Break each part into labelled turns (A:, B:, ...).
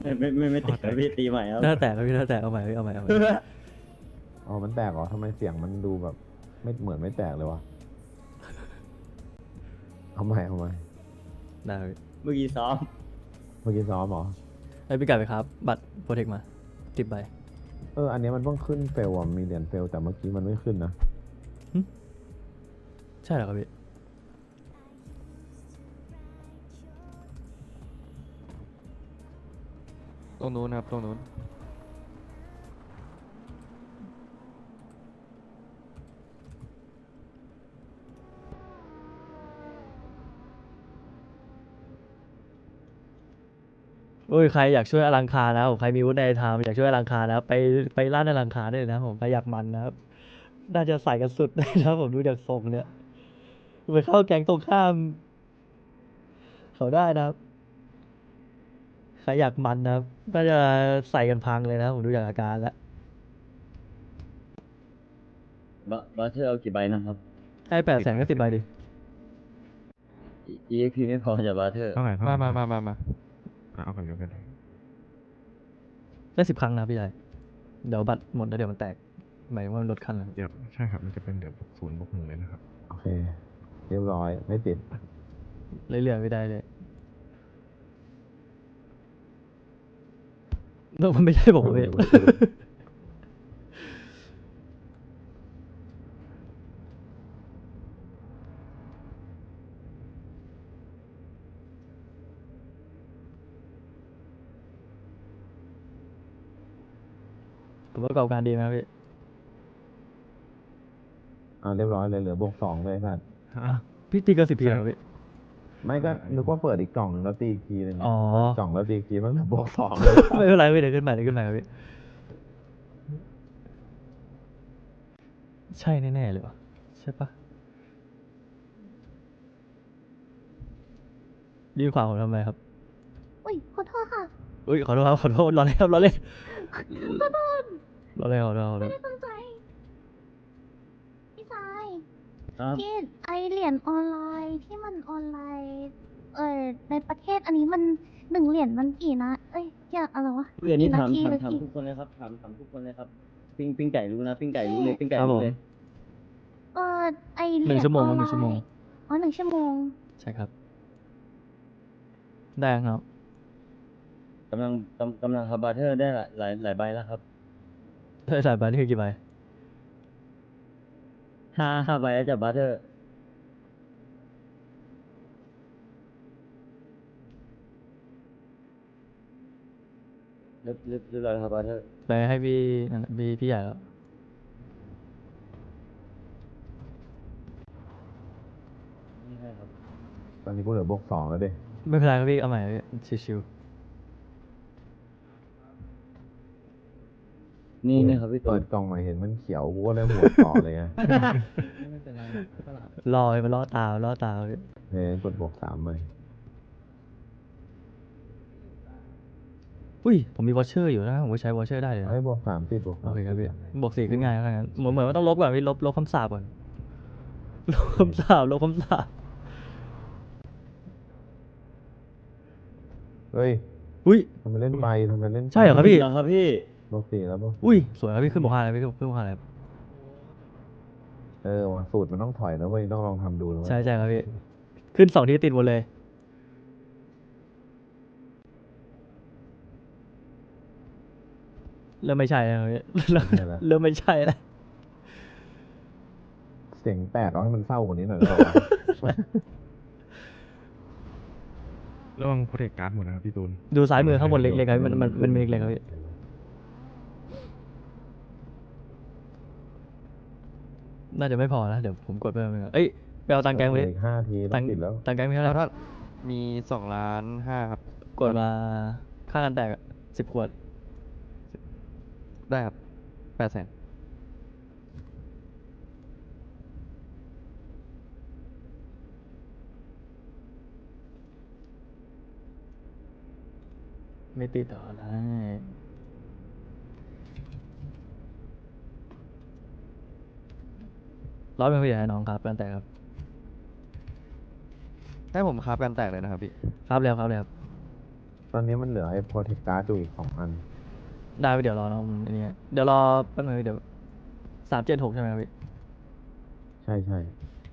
A: ไม่ติดครับพี่ตีใหม่ครับ
B: หน้าแตกครับพี่หน้าแตกเอาใหม่พี่เอาใหม่เอาใหม่
C: อ๋อมันแตกเหรอทำไมเสียงมันดูแบบไม่เหมือนไม่แตกเลยวะเอาใหม่
B: ได้พี่
A: เมื่อกี้ซ้อม
C: เมื่อกี้ซ้อมเหรอ
B: ไอ้พี่กัดไปครับ บัตรโปรเทคมา10 ใบ
C: อันนี้มันเพิ่งขึ้นเฟลอ่ะมีเหรียญเฟลแต่เมื่อกี้มันไม่ขึ้นนะ
B: ใช่เหรอครับพี่
D: ตรงนู้นครับตรงนู้น
B: โอ้ยใครอยากช่วยอลังคารนะครับผมใครมีวุฒิในธรรมอยากช่วยอลังคารนะครับไปร้านอลังคารได้เลยนะครับผมใครอยากมันนะครับน่าจะใส่กันสุดนะครับผมดูจากทรงเนี่ยไปเข้าแก๊งตรงข้ามเขาได้นะครับใครอยากมันนะครับน่าจะใส่กันพังเลยนะครับผมดูจากอาการแล้ว
A: บาเทอร์เอากี่ใบนะครับ
B: ให้800,000ก็10 ใบดิ
A: EXP ไม่พอจะบาเทอร์
E: เท่าไหร่
D: มา
E: เอากันเดียวกัน
B: ได้10 ครั้งนะพี่ชายเดี๋ยวบัตรหมดแล้วเดี๋ยวมันแตกหมายถึงว่ามันลดขั้นแล้ว
E: เดี๋ยวใช่ครับ มันจะเป็นเดี๋ยว0+1เลยนะครับ
C: โอเค เรียบร้อยไม่ติด
B: เรื่อยๆไม่ได้เลยมันไม่ใช่ผมเว้ย ผมประกอบการดีไหมครับพี่
C: เรียบร้อยเลยเหลือบวกสองเลยครับ
B: พี่ตีเกิน10 ทีเหรอพี่
C: ไม่ก็นึกว่าเปิดอีกกล่องหนึ่งแล้วตีอีกทีหนึง
B: อ๋อ
C: กล่องแล้วตีอีกทีมันเหลือบวกสองเลย
B: ไม่เป็นไรพี่เดี๋ยวขึ้นใหม่ครับพี่ ใช่แน่ๆเลยวะใช่ปะยืนขวางผมทำไมครับ
F: อุ้ยขอโทษค่ะ
B: อุ้ยขอโทษครับขอโทษรอเล่นครับรอเล่น
F: ขอโทษ
B: รอเล่นขอโทษขอโท
F: ไม่
B: ษ
F: ได้ตั้งใจ พี่ชาย
A: ครับ
F: พี่ไอเหรียญออนไลน์ที่มันออนไลน์ ในประเทศอันนี้มัน1 เหรียญมันกี่นะ เอ้ยอย่าอะไรวะ
A: เรื่องนี้
F: กี่
A: ถาม
F: นาทีหรือ
A: ถาม
F: กี่
A: ทุกคนเลยครับถามทุกคนเลยครับปิ้งไก่รู้นะปิ้งไก่รู้เลยปิ้งไก่
B: ครับผ
A: รู้
B: ม
A: เลย
F: ไอเหรียญ
B: 1 ชั่วโมง
F: อ
B: ค
F: อ
B: รับ
F: นไล
B: 1 ชั่วโมง
F: น์อ๋อ1 ชั่วโมง
B: ใช่ครับ ได้ครับ
A: กำลังครับบาเทอร์ได้หลายใบแล้วครับ
B: ได้สายใบนี่คือกี่ใบ
A: ห้าใบแล้วจากบาเทอร์เรียบร้อยครับบาเทอร์
B: ไปให้พี่นั่นพี่ใหญ่แล้ว
A: นี่ให้ครับ
C: ตอนนี้กูเหลือบวกสองแล้วดิ
B: ไม่เป็นไรครับพี่เอาใหม่ครับพี่ชิว
A: นี่ครับพี่ตู
C: เปิ
A: น
C: ดกล่องมาเห็นมันเขียวกูก็เลยหมวดต่อเลยไง
A: ไม่เป็นไรก็หลับ
B: ๆรอให้มันล่อตาพี่
C: กดบวกสามเลย
B: อุ้ยผมมีวอชเชอร์อยู่นะผมก็ใช้วอชเชอร์ได้เลยนะ
C: บวกสามติดบวก
B: โอ
C: สาม
B: เคครับพี่บวก 4ขึ้นง่ายแล้วงั้นเหมือนว่าต้องลบก่อนพี่ลบคำสาปก่อนลบคำสาป
C: เฮ้ย
B: อุ้ย
C: ทำไมเล่นใบทำไมเล่น
B: ใช่เหรอครับพี่
A: เหรอครับพี่
C: บวกสี่แล้วบวก
B: อุ้ยสวยครับพี่ขึ้นบวก 5เลยพี่ขึ้นบวก 5เลยครับ
C: ว่ะสูตรมันต้องถอยนะเว้ยต้องลองทำดูนะเว้ย
B: ใช่ครับพี่ขึ้น2 ทีติดหมดเลยเริ่มไม่ใช่แล้วพี่เริ่มไม่ใช่แล้ว
C: เสียงแตกเอาให้มันเศร้ากว่านี้หน่อยได้ปะวะ
E: ระวังโปรเทคการ์ดหมดนะครับพี่ตูน
B: ดูซ้ายมือข้างบนเล็กๆครับพี่มันมีเล็กๆครับพี่น่าจะไม่พอนะเดี๋ยวผมกดไปเอ้ยไปเอาตังค์แกงไปดิ
C: อีก5 ทีต้
B: ตั
C: อง งติดแล้ว
B: ตังค์แกงมีเท่าไหร่
D: มี2,500,000ครับ
B: กดมาค่ากันแตก10 ขวด
D: ได้ครับ800,000
B: ไม่ติดต่อได้ร้อยเป็นผู้ใหญ่ให้น้องครับกันแตกครับ
D: ให้ผมคราฟกันแตกเลยนะครับพี่
B: ครับแล้วครับ
C: ตอนนี้มันเหลือไอ้โปรเทคการ์ดอยู่อีก2 อัน
B: ได้ไปเดี๋ยวรอน้องอันนี้เดี๋ยวรอแป๊บนึงเดี๋ยว376ใช่ไหมครับพี่
C: ใช่ใช่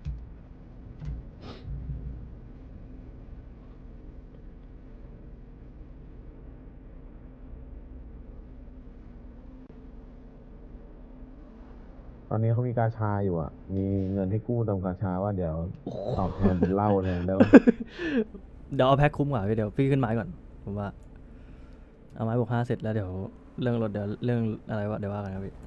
C: ตอนนี้เขามีกาชาอยู่อ่ะ มีเงินให้กู้เติมกาชาว่าเดี๋ยวตอบแทนเป็นเหล้าแทนได้ปะ
B: เดี๋ยวเอาแพ็คคุ้มกว่าพี่เดี๋ยวพี่ขึ้นไม้ก่อนผมว่าเอาไม้บวก5เสร็จแล้วเดี๋ยวเรื่องรถเดี๋ยวเรื่องอะไรวะเดี๋ยวว่ากันครับพี่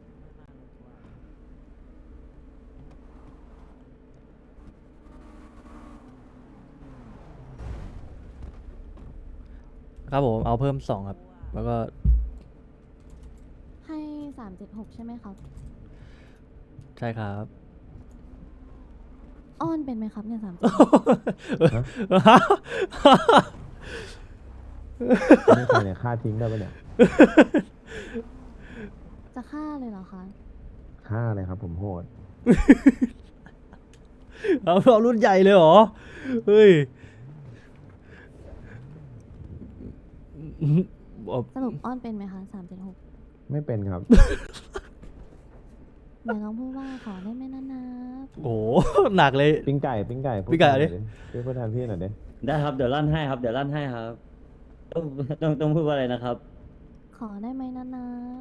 B: ครับผมเอาเพิ่ม2ครับแล้วก็
F: ให้376ใช่ไหมครับ
B: ใช่ครับ
F: อ้อนเป็นไหมครับเนี่ย3
C: นี่ใครเนี่ยฆ่าทิ้งได้ปะเนี่ย
F: จะฆ่าเลยเหรอคะ
C: ฆ่าเลยครับผมโหด
B: เอารุ่นใหญ่เลยเหรอเฮ้ย
F: สรุปอ้อนเป็นไหมคะ376
C: ไม่เป็นครับ
F: เดี๋ยวลองพูดว่าขอได้ไหมนะนะ
B: โอ้โหหนักเลย
C: ปิ้งไก่พูด
B: ปิ้งไก่
C: แทน
B: ดิ
C: หน่อยดิพูดแทนพี่หน่อยดิ
A: ได้ครับเดี๋ยวลั่นให้ครับเดี๋ยวลั่นให้ครับต้องพูดว่าอะไรนะครับ
F: ขอได้ไหมนะนะ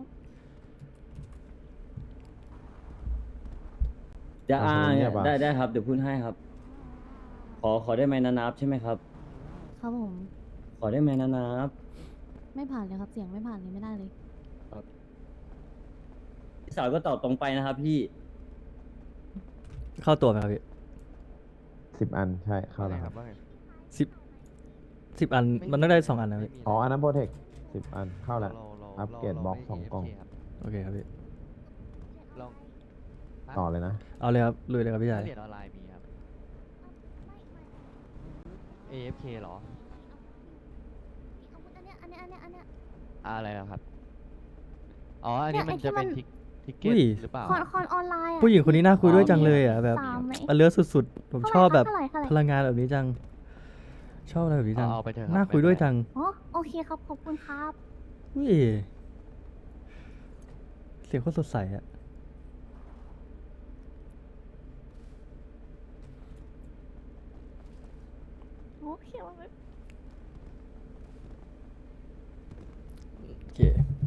A: จะ
C: อ่ะสมมุติเนี่ยปะ
A: ได้ครับเดี๋ยวพูดให้ครับ ขอได้ไหมนานับใช่ไหมครับ
F: ครับผม
A: ขอได้ไหมนานับ
F: ไม่ผ่านเลยครับ เสียงไม่ผ่านเลยไม่ได้เลย
A: พี่สาวก็ตอบตรงไปนะครับพี่
B: เข้าตัวไหมครับพี่
C: 10 อันใช่เข้าแล้วครับ
D: ว่าไง
B: 10 อันมันต้องได้2 อันนะพี่
C: อ๋ออันนั้นโปรเทค10 อันเข้าแล้ว
D: เรา
C: อัปเกรดบล็อก
D: ไม่
C: 2 กล่อง
D: AFK ครับ
B: โอเคครับพี่
D: ลอง
C: ต่อเลยนะ
B: เอาเลยครับลุยเลยครับพี่ชาย
D: เหรียญออนไลน์มีครับ AFK เหรอ
F: อันเนี้ย
D: อะไรนะครับ อ๋อ อันนี้
F: เนี่ย
D: มันจะเป็น
F: ไอ้ที่มัน
D: ทิกเก็ต
B: อุ้ย
D: หรือเปล่า
F: คอนออนไลน์อะ
B: ผู้หญิงคนนี้น่าคุยด้วยจังเลยอ่ะแบบ
F: 3ไหม
B: เลือสุดๆผมชอบแบบ
F: เท่าไหร่
B: พลังงานแบบนี้จัง ชอบอะไรแบบนี้จัง
D: เอาไปเถอะครับ
B: น่าคุยด้วยจัง
F: อ๋อโอเคครับขอบคุณครับ
B: อุ้ยเสียงโคตรสดใสอ่ะ
F: โอเคว่าไม่
B: โอเค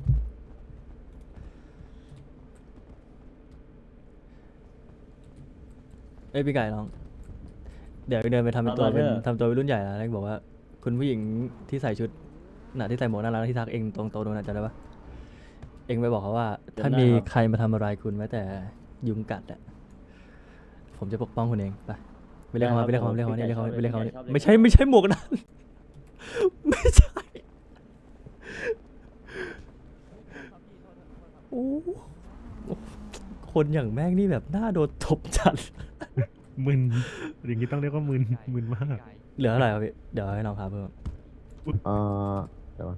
B: เอ้ยพี่ไก่น้อง เดี๋ยวเดินไปทำเป็นตัว
A: เอามา
B: เป็น
A: เถอะ
B: ทำตัวเป็นรุ่นใหญ่แล้วแล้วบอกว่า คุณผู้หญิงที่ใส่ชุดน่ะที่ใส่หมวกน่ารักที่ทักเองตรงโต๊ะนู้นนะจำได้ปะเองไปบอกเขาว่า ถ้ามีใครมาทำอะไรคุณแม้แต่ยุงกัดอ่ะผมจะปกป้องคุณเองไปเรียกเขามาไปเรียกเขามาไปเรียกเขามาไปเรียกเขามาไม่ใช่หมวกนั้น ไม่ใช่โอ้คนอย่างแม่งนี่แบบหน้าโดนตบจัด
E: มึนอย่างนี้ต้องเรียกว่ามึนมึนมาก
B: เหลือเท่าไหร่ครับพี่เดี๋ยวให้น้องครับเพิ่ม
C: เดี๋ยวก่อน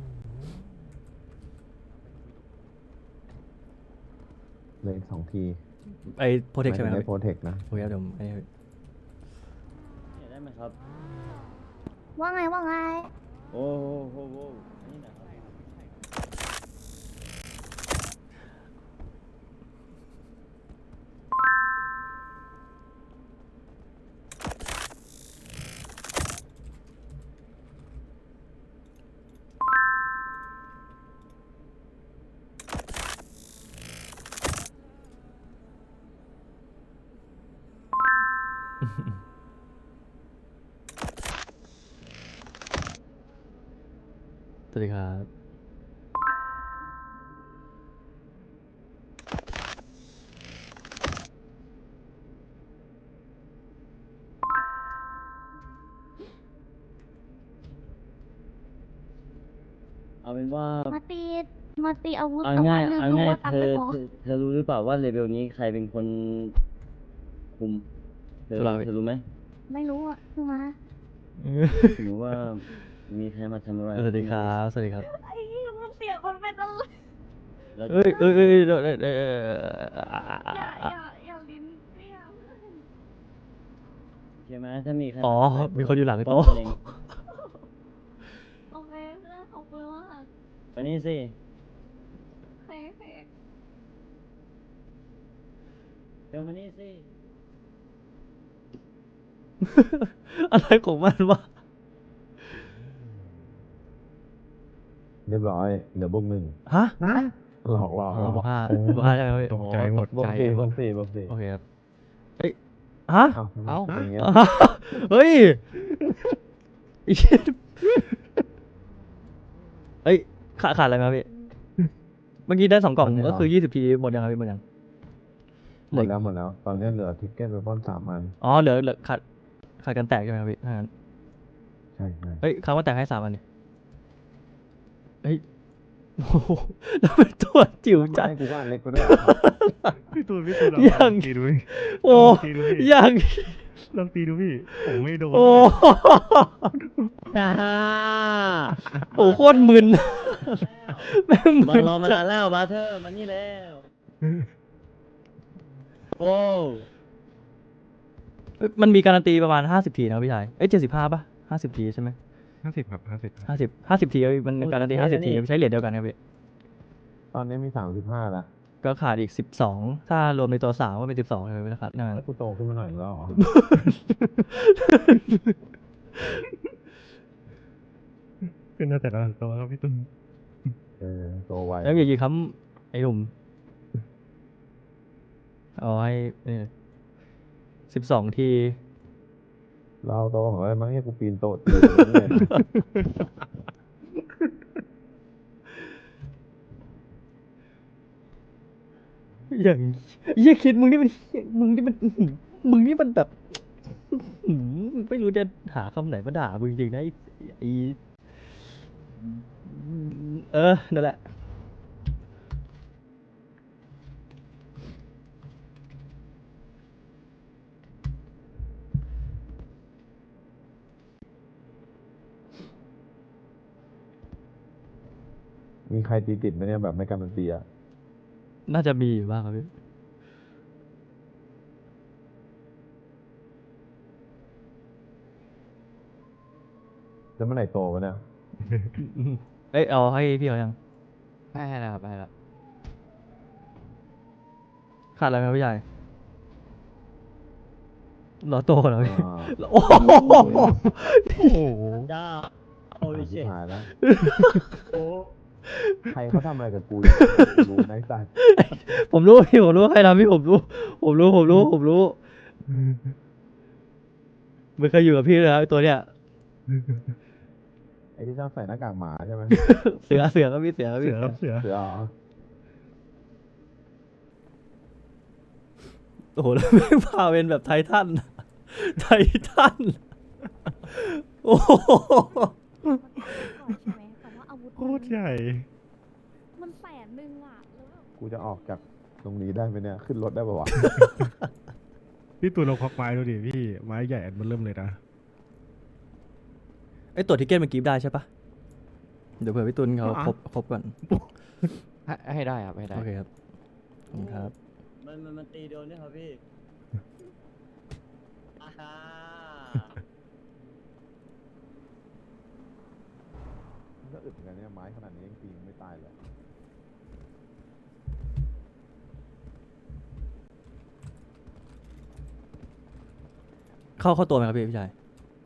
C: เหลย2 ที
B: ไอ้โปรเทคใช่ไหมครับ
C: ได้
B: พี่
C: โปรเทคนะ
B: โอเคครับเดี๋ยวไอ้นี่พี่
A: ได้ไหมครับ
F: ว่าไง
A: โอ้โหนี่นะครับ
B: สวัสดีครับ
A: เอาเป็นว่า
F: มาตีอาวุธ
A: เอา
F: กับ
A: ง่าย
F: อันหนึ่ง
A: เอา
F: ดู
A: ง่าย
F: ว่าตัง
A: เธ
F: ค์
A: อ
F: ไม่พอ
A: เธอรู้หรือเปล่าว่าเลเวลนี้ใครเป็นคนคุมเธอ
B: สุราวิทย์
A: เธอรู้ไหม
F: ไม่รู้อ่ะคือมา
A: สมมติว่ามีใครมาทำอะไร
B: สวัสดีครับสวัสดีครับ
F: ไอ้เหี้ยมันเสียคนเป็นอะไร
A: แล้ว
B: เอ้ย
F: อย่าลิ้นเสีย
A: ใช่ไหมถ้ามีใคร
B: อ๋อ
A: มา
B: มีคนอยู่หลัง
A: ไม่
B: โต๊ะ
A: เป็นไร
F: โอ้
A: มานี่สิเดี๋ยวมานี่สิ
B: อะไรของมันวะ
C: เรียบร้อยเหลือบวกหนึ่ง
B: ฮะ
C: หลอก
B: บวกห้าบวกห้าใช่ไหมพี่
E: ตกใจหมด
C: บวกสี่บวกสี่บวกสี่
B: โอเคครับเอ้ยฮะ
C: เอ้าอย่างเงี้ย
B: เฮ้ยอีเหี้ยเอ้ยขาดอะไรมาพี่ เมื่อกี้ได้2 กล่องก็คือ20 ทีหมดยังครับพี่หมดยัง
C: หมดแล้ว ตอนนี้เหลือทิกเก็ตไปป้อน3 อัน
B: อ๋อเหลือขาดกันแตกใช่ไหมครับพี่ถ้างั้น
C: ใช่
B: เฮ้ยคำว่าแตกให้3 อันนี่เฮ้ยโอ้โหแล้วเป็นตัวจิ๋วจัด
C: ให้กูก็อันเล็กไปด้วย
E: พี่ตูน
B: ยัง
E: ตีดูพี่
B: โอ้
E: ตีดูพี่
B: ยัง
E: ลองตีดูพี่ ผมไม่โดน
B: โอ้โหโคตรมึนแม่ง
A: บั
B: มึ
A: ง
B: น
A: รอมานานแล้วบาเทอร์มานี่แล้ว โอ้
B: เอ้ยมันมีการันตีประมาณ50 ทีนะพี่ชายเอ้ย75ป่ะ50 ทีใช่ไหม
E: 50 ครับ
B: 50 ทีมันการันตี50 ทีใช้เหรียญเดียวกันครับพี่
C: ตอนนี้มี35แล้ว
B: ก็ขาดอีก12ถ้ารวมในตัว3ก็เป็น12เลยไม่ขาดนั่น
C: แล้วกูโตขึ้นมาหน่อยแล้วเหรอ
E: ขึ้นมาแต่ละตัวครับพี่ตูน
C: โตไว
B: แล้วอย่ากี่คำไอ้หนุ่มเอาให้12 ที
C: เราโตของอะไรมั้งเนี่ยกูปีนโตะตีเลยนะ
B: อย่างเยี่ยคิดมึงนี่มันมึงนี่มันมึงนี่มันแบบอื้อหือไม่รู้จะหาคำไหนมาด่ามึงจริงๆนะไอ้นั่นแหละ
C: มีใครตีติดไหมเนี่ยแบบไม่การันตีอ่ะ
B: น่าจะมีอยู่บ้างครับพี่
C: แล้วเมื่อไหร่โตวะเนี่ย
B: เอ้ยเอาให้พี่เขายัง
D: ให้แล้วครับให้แล้ว
B: ขาดอะไรไหมพี่ใหญ่รอโตเหรอพี่
C: อ่า
B: โอ้โห
E: โอ้โห
A: จ้าโอ้ย
C: ชิ
A: เจ๊
C: บหายแล้ว
A: โอ้
C: ใครเขาทำอะไรกับกูอยู่รู้นะไอ้สัส
B: ผมรู้พี่ผมรู้ใครทำพี่ผมรู้ไม่เคยอยู่กับพี่เลยครับไอ้ตัวเนี้ย
C: ไอ้ที่ชอบใส่หน้ากากหมาใช่ไหม
B: เสือก็พี่เสือ
E: เสือครับเสือ
C: เสือเหรอ
B: โอ้โหแล้วไม่พาเป็นแบบไททันโอ้โห
F: ใช่ไหมแต่ว่าอาวุธ
E: โคตรใหญ่
F: มัน100,000อ่ะแล้วแบบ
C: กูจะออกจากตรงนี้ได้ไหมเนี่ย ขึ้นรถได้ปะวะ
E: พี่ตูนลองควักไม้ดูดิพี่ ไม้ใหญ่อันมันเริ่มเลยนะ
B: ไอ้ตัวทิเก็ตมันกรีฟได้ใช่ปะเดี๋ยวเผื่อพี่ตุลเขา
E: อ่ะ
B: ครบก่อน
D: ให้ได้ครับให้ได้
B: โอเคครับขอบคุณครับ
A: มันตีโดนเนี่ยครับพี่อ่าฮะ
C: ก็อึดเหมือนกันเนี่ยไม้ขนาดนี้ยังตีไม่ตายเลย
B: เข้าตัวไหมครับพี่ชาย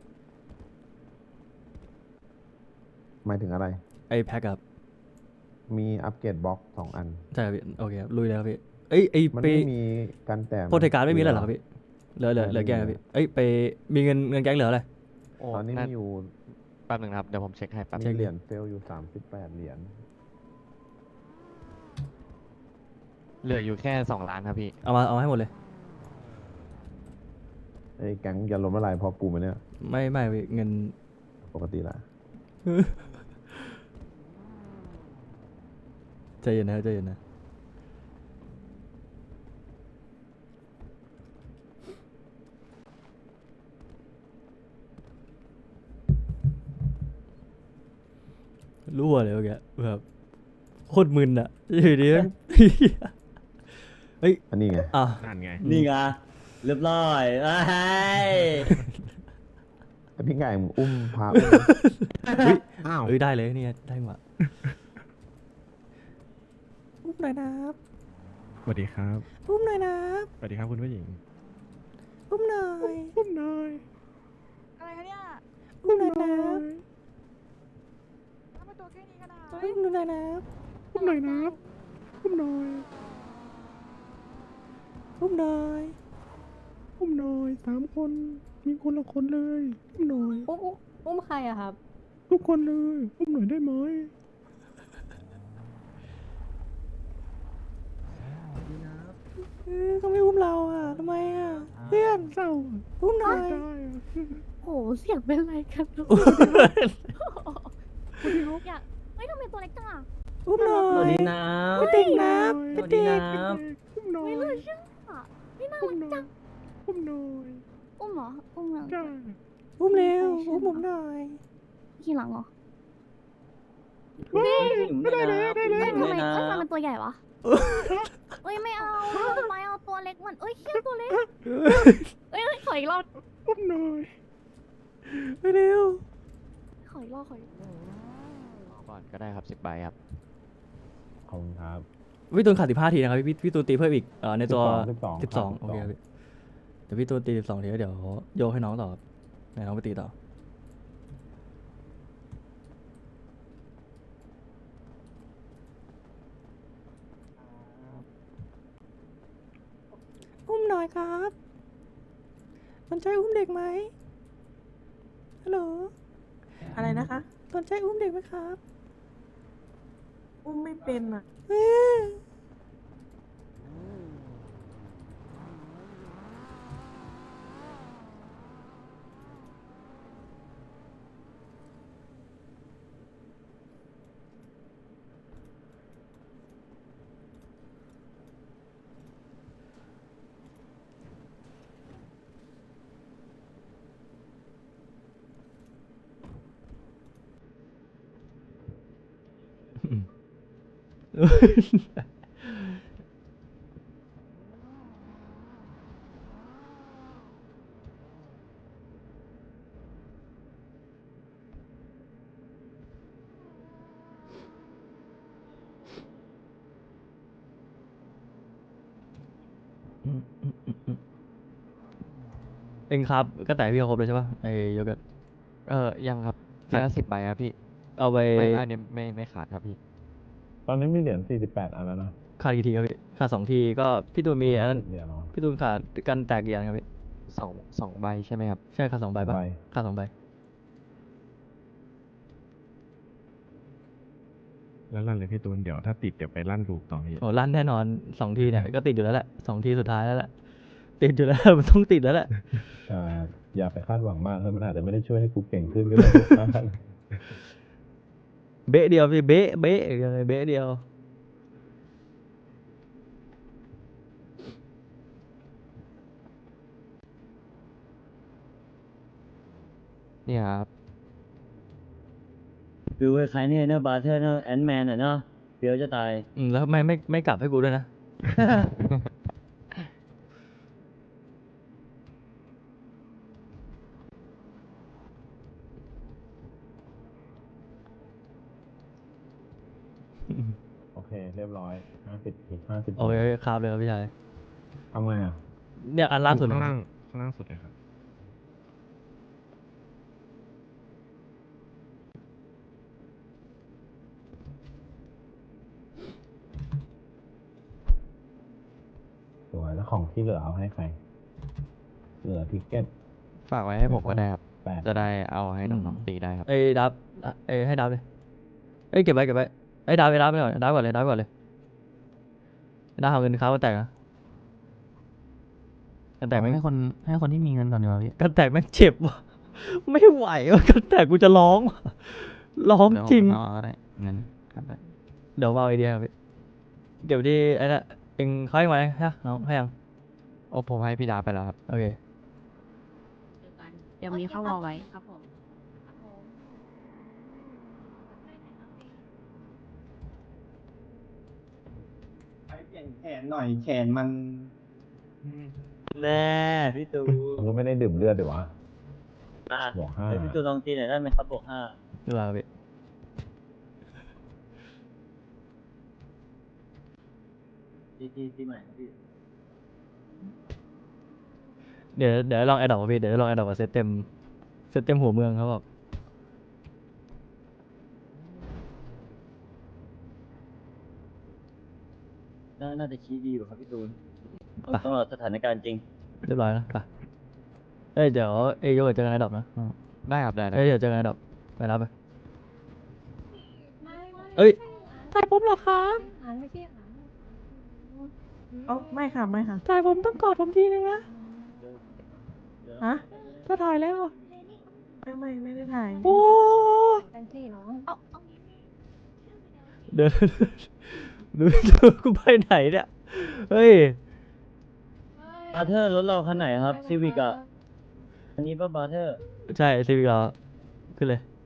C: หมายถึงอะไร
B: ไอ้แพ็คครับ
C: มีอัปเกรดบล็อก2 อัน
B: ใช่ครับพี่โอเคครับลุยแล้วครับพี่เอ้ยไอ้
C: มัน
B: ไป
C: ไม่มีการแต้ม
B: โปรเทคการ์ดไม่มีแล้วเหรอครับพี่เหลือแกงครับพี่เอ้ยไปมีเงินแก๊งเหลืออะไร
D: โอ้
C: ตอนนี้
D: นั่
C: มีอยู่
D: แป๊บหนึ่งนะครับ เดี๋ยวผมเช็คให้แป๊บ
C: มีเหรียญเฟลอยู่38 เหรียญ
D: เหลืออยู่แค่2 ล้านครับพี่
B: เอาให้หมดเลย
C: ไอ้แก๊งอย่าล้มละลายพอกูไหมเนี่ย
B: ไม่พี่เงิน
C: ปกติละ
B: ใจเย็นนะใจเย็นนะรั่วเลยเมื่อกี้แบบโคตรมึนอะอยู่ดีนะ เฮ้ย
C: อันนี้ไง
B: อ่ะ
E: นั่นไง
A: นี่ไงเรียบร้อยเอ้ย
C: ไอ้พี่ไก่มึงอุ้มพาอุ้ม
E: อ้าว
B: เอ้ยได้เลยเนี่ยได้หมดหน่อยนะครับ
E: สวัสดีครับ
B: อุ้มหน่อยนะ
E: สวัสดีครับคุณผู้หญิง
B: อุ้มหน่อย
E: อุ้มหน่อย
G: อะไรคะเนี่ย
B: อุ้มหน่อยนะ
G: ทำไมตัวแค่นี้กันนะ
B: อุ้มหน่อยนะ
E: อุ้มหน่อยนะอุ้มหน่อย
B: อุ้มหน่อย
E: อุ้มหน่อย3 คน มีคนละคนเลย อุ้มหน่อย
H: อุ้มใครอะครับ
E: ทุกคนเลย อุ้มหน่อยได้ไหม
B: เขาไม่อุ้มเราอ่ะทำไมอ่ะเพื่อน
E: เศร้า
B: อุ้มหน่อย
E: ได้อะ
F: โหเสียงเป็นไรกันลูกอยากเฮ้ยทำไมตัวเล็กจังอ่ะ
B: อุ้มหน่อย
A: สวัสดีนะ
B: พี่ติ๊กนะ
A: ส
B: พี่
A: วัสดี
B: ติ๊ก
A: นะ
E: อุ้มหน่อย
F: ไม่เลยเชื่ออ่ะนี่น่า
E: อุ้ม
F: รัก
E: หน่อ
F: จั
E: ย
F: ง
E: อุ้มหน่อย
F: อุ้มเหรออุ้มหลัง
E: จ้า
B: อุ้มเร็ว อุ้มผมหน่อย
F: ขี่หลังเหรอ
E: เฮ้ย
A: ได้เลยได้เล
F: เอ้
A: ย
F: ยทำไมเอ้ยทำไมมันตัวใหญ่วะเอ้ยไม่เอาไปเอาตัวเล็กมันเอ้ยเขี้ยวตัวเล็กเอ้ยขออีกรอบ
E: อุ้มหน่อย
B: ไปเร็ว
F: ขออีกรอบขออีกรอบ
D: ก่อนก็ได้ครับ10 ใบครับ
C: ขอบคุณครับ
B: พี่ตูนขาด15 ทีนะครับพี่ตูนตีเพิ่มอีกในตัว
C: 12
B: 12โอเคครับพี่เดี๋ยวพี่ตูนตี12 ทีแล้วเดี๋ยวโยกให้น้องต่อครับให้น้องไปตีต่อ อุ้มหน่อยครับสนใจอุ้มเด็กไหมฮัลโหล
H: อะไรนะคะ
B: สนใจอุ้มเด็กไหมครับ
H: อุ้มไม่เป็นอะ
B: เอ้ยเองครับก็แต่พี่เขาครบเลยใช่ปะไอ้โยเกิร์ต
D: ยังครับทีละ10 ใบครับพี่
B: เอาไป
D: ไม่อันนี้ไม่ขาดครับพี่
C: ตอนนี้มีเหรียญ48 อันแล้วนะ
B: ขาดกี่ทีครับพี่ขาด2 ทีก็พี่ตูนมีอันนั้น
C: เหรียญเนาะ
B: พี่ตูนขาดกันแตกกี่อันครับพี่
D: สองใบใช่ไหมครับ
B: ใช่ขาด2 ใบปะ
C: ใบ
B: ขาด2 ใบ
E: แล้วลั่นเลยพี่ตูน เดี๋ยวถ้าติดเดี๋ยวไปลั่นลูกต่อพี่
B: โอ้ลั่นแน่นอน2 ทีเนี่ยก็ติดอยู่แล้วแหละ2 ทีสุดท้ายแล้วแหละติดอยู่แล้ว มันต้องติดแล้วแหละ
C: อย่าไปคาดหวังมากเลยมันอาจจะไม่ได้ช่วยให้กูเก่งขึ้นก็ได้
B: เบ๊ะเดียวพี่เบ๊ะเบ๊ะยังไงเบ๊ะเดียว
D: เนี่ยครับ
A: ฟิลคล้ายๆเนี่ยเนอะบาร์เทอร์เนอะแอนด์แมนอะเนาะเฟี้ยวจะตาย
B: แล้วทำไมไม่กลับให้กูด้วยนะ
C: โอเค เรียบร้อย50 อีก 50
B: โอเคครับเลยครับพี่ชาย
C: ทำไงอ่ะ
B: เนี่ยอันล่าสุด
E: ข้างล่างสุดเลยครับ
C: สวยแล้วของที่เหลือเอาให้ใคร เหลือทิกเก็ต
D: ฝากไว้ให้ผมก็ได้ครับ
C: 8
D: จะได้เอาให้น้องๆตีได้ครับ
B: ไอ้ดับไอ้ให้ดับเลยเอ้ยเก็บไว้ไอ้ดับไปก่อนดับก่อนเลยดับก่อนเลยดับเอาเงินเขาก็แตกนะกันแตกไหม
I: ให้คนที่มีเงินก่อนดีกว่าพี่
B: กันแตกแม่งเจ็บว่ะ ไม่ไหวว่ะกันแตกกูจะร้องว่ะร้อง
I: เดี๋ยว
B: จริง
I: เอาก็ได้เงินครับได้
B: เดี๋ยวมาเอาไอเดียครับพี่เดี๋ยวที่ไอ้น่ะเองเขาให้ไหมฮะน้องให้ยัง
D: โอ้ผมให้พี่ดาไปแล้วครับ
B: โอเค
H: เดี๋ยวมีเข้าวอลไว้ครับผม
J: ไปเปลี่ยนแขนหน่อยแขนมัน
A: แน่พี่ตู
C: ผมก็ไม่ได้ดื่มเลือดดีวะ
A: อ่ะ
C: บวก
A: เฮ้ยพี่ตูลองตีหน่อยได้ไหมครับบวก5
B: ดูว่าพี่
A: ที่ใหม่พี่
B: เดี๋ยวลองแอดดอกพี่เดี๋ยวลองแอดดอกเซตเต็มหัวเมืองเขาบอก
A: น่าจะชี้ดีกว่าครับพี่ตูน
B: ไป
A: ต้องรอสถานการณ์จริง
B: เรียบร้อยแล้วไปเดี๋ยวโยกเจอกันแอดดอกนะ
D: ได้ครับได้ได้
B: เดี๋ยวเจอกันแอดดอกไปรับไปเอ้ยถ่ายผมเหรอครับ
H: เอ้าไม่ค่ะ ไม่ค่ะ
B: ถ่ายผมต้องกอดผมทีนึงนะ
H: ฮะ
B: ถ้าถ่ายแล้ว
H: ไม่ได้ถ่าย
B: โอ้
F: เอา
B: เดี๋ยวดูกูไปไหนเนี่ยเฮ้ย
A: บาร์เทอร์รถเราคันไหนครับซีวิกอ่ะ อันนี้ป่ะบาร์เทอร์
B: ใช่ซีวิกเราขึ้นเลย